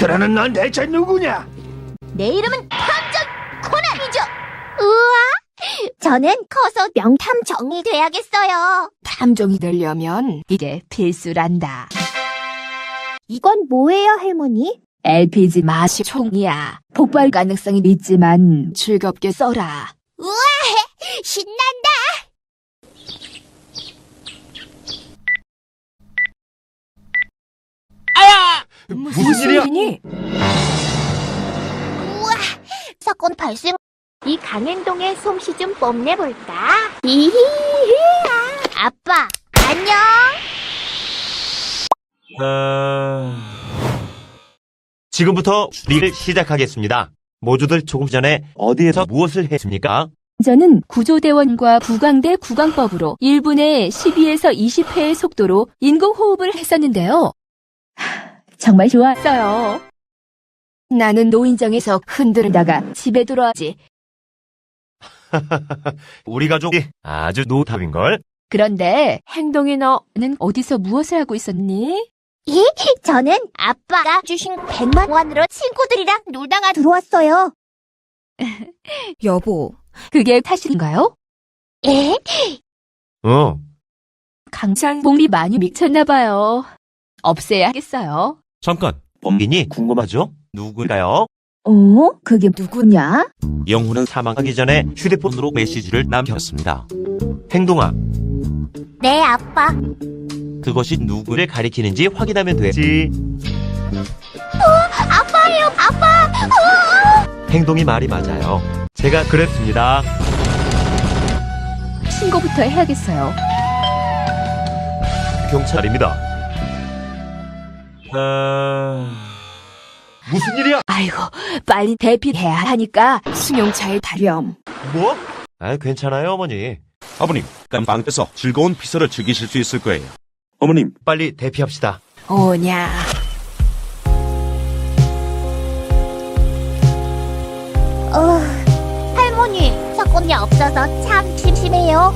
그러는 넌 대체 누구냐? 내 이름은 탐정 코난이죠. 우와, 저는 커서 명탐정이 돼야겠어요. 탐정이 되려면 이게 필수란다. 이건 뭐예요, 할머니? LPG 마시 총이야. 폭발 가능성이 있지만 즐겁게 써라. 우와, 신난다. 무슨 일이야? 일이니? 우와, 사건 발생. 이 강행동의 솜씨 좀 뽐내볼까? 이히히야. 아빠, 안녕. 지금부터 추리를 시작하겠습니다. 모두들 조금 전에 어디에서 무엇을 했습니까? 저는 구조대원과 구강대 구강법으로 1분에 12에서 20회의 속도로 인공호흡을 했었는데요. 정말 좋았어요. 나는 노인정에서 흔들다가 집에 돌아왔지. 우리 가족이 아주 노답인걸? 그런데 행동의 너는 어디서 무엇을 하고 있었니? 저는 아빠가 주신 100만 원으로 친구들이랑 놀다가 들어왔어요. 여보, 그게 탓인가요? 에? 강창봉이 많이 미쳤나봐요. 없애야겠어요. 잠깐, 범인이 궁금하죠? 누굴까요? 그게 누구냐? 영훈은 사망하기 전에 휴대폰으로 메시지를 남겼습니다. 행동아, 네, 아빠. 그것이 누구를 가리키는지 확인하면 되지. 아빠예요, 아빠. 행동이 말이 맞아요. 제가 그랬습니다. 신고부터 해야겠어요. 경찰입니다. 무슨 일이야? 아이고, 빨리 대피해야 하니까 승용차에 타렴. 뭐? 괜찮아요, 어머니. 아버님, 깜빵에서 즐거운 피서를 즐기실 수 있을 거예요. 어머님, 빨리 대피합시다. 오냐. 할머니, 사건이 없어서 참 심심해요.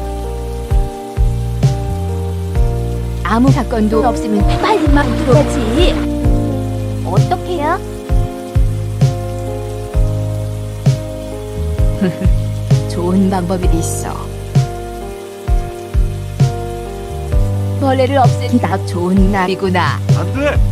아무 사건도 없으면 빨리 만들어야지. 어떡해요? 좋은 방법이 있어. 벌레를 없애기 딱 좋은 날이구나. 안 돼!